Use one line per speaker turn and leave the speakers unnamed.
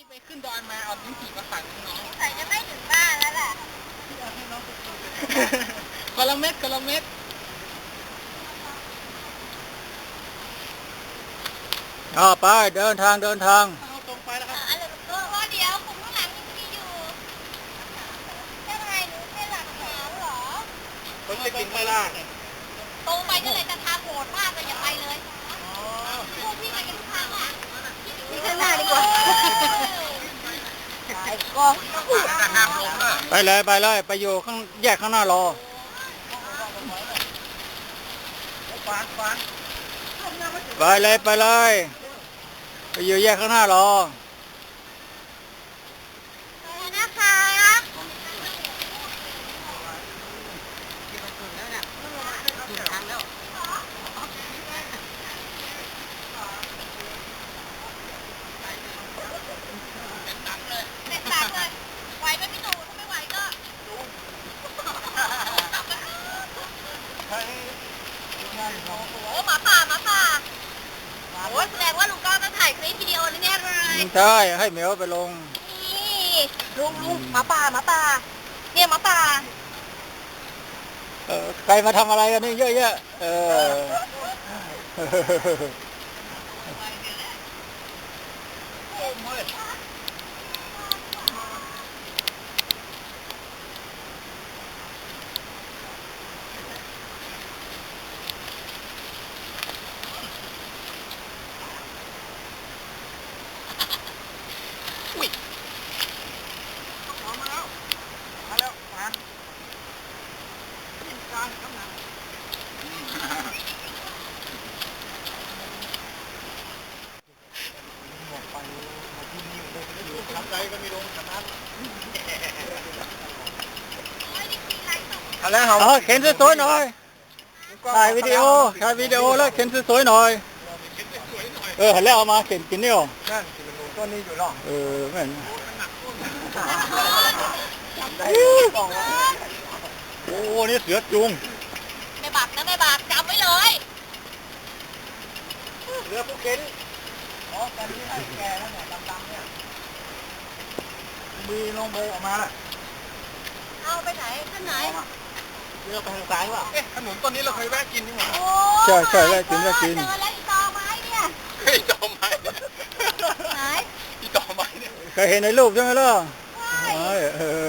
ไปขึ้นดอยมาเอาลิ้นจี่มาฝากน้อง
ใส่จะไม่ถึงบ้านแล้วแหละ
ที่เอาให้น้องไปกินคนละเม็ดคนละเม็ด
ไปเดินทาง
เอาตรงไปแล้วครับ
อะไรก็ว่าเดี๋ยวคุณข้างหลังยังมีอยู่ยังไงหนูแค่หลักฐานเหรอ
คนจะกินไปล่ะ
ตรงไปก็เลยจะทางโหดมากเลยอย่าไปเลยพวกพี่ไปกันทุกทางอ่ะพี่ข้างหน้าดีกว่าไอ้กอง
ไปเลยไปอยู่ข้างแยกข้างหน้ารอไปเลยไปอยู่แยกข้างหน้ารอ
นะคะเด็ดตักเลยไหวไหมพี่หนูถ้าไม่ไหวก็โอ้หมาป่าโอ้แสดงว่าลุงก้องต้องถ่ายคลิปวิดีโอแน่เลย
ใช่ให้เหมียวไปลง
นี่ลุงหมาป่าเนี่ยหมาป่า
ใครมาทำอะไรกันนี่เยอะแยะ
ทำใจก็มีลงขนาด
เข็นสวยๆหน่อยถ่ายวิดีโอแล้วเข็นสวยๆหน่อยหันแล้วเอามาเข็นกินนี่หรอ
นั่นต้นนี้อยู่หรอ
แม่นโอ้นี่เสือจุง
ไม่บักจำไว้เลย
เรือผู้เข็นตอนนี้ให้แกแล้วเนี่ยดำๆเนี่ยมีลงโบออกมาล่ะ
เอาไปไหนท่านไหน
เรือไปทางซ้ายวะขนุนต้นนี้เราเคยแวะกินนี่หว่า
ใช่แล้วกิน
เจอแล้วอีตอไม้เนี่ย
อีตอไม้
ไหน
อีตอไม้เนี่ย
เคยเห็นในรูปใช่ไหมล่ะ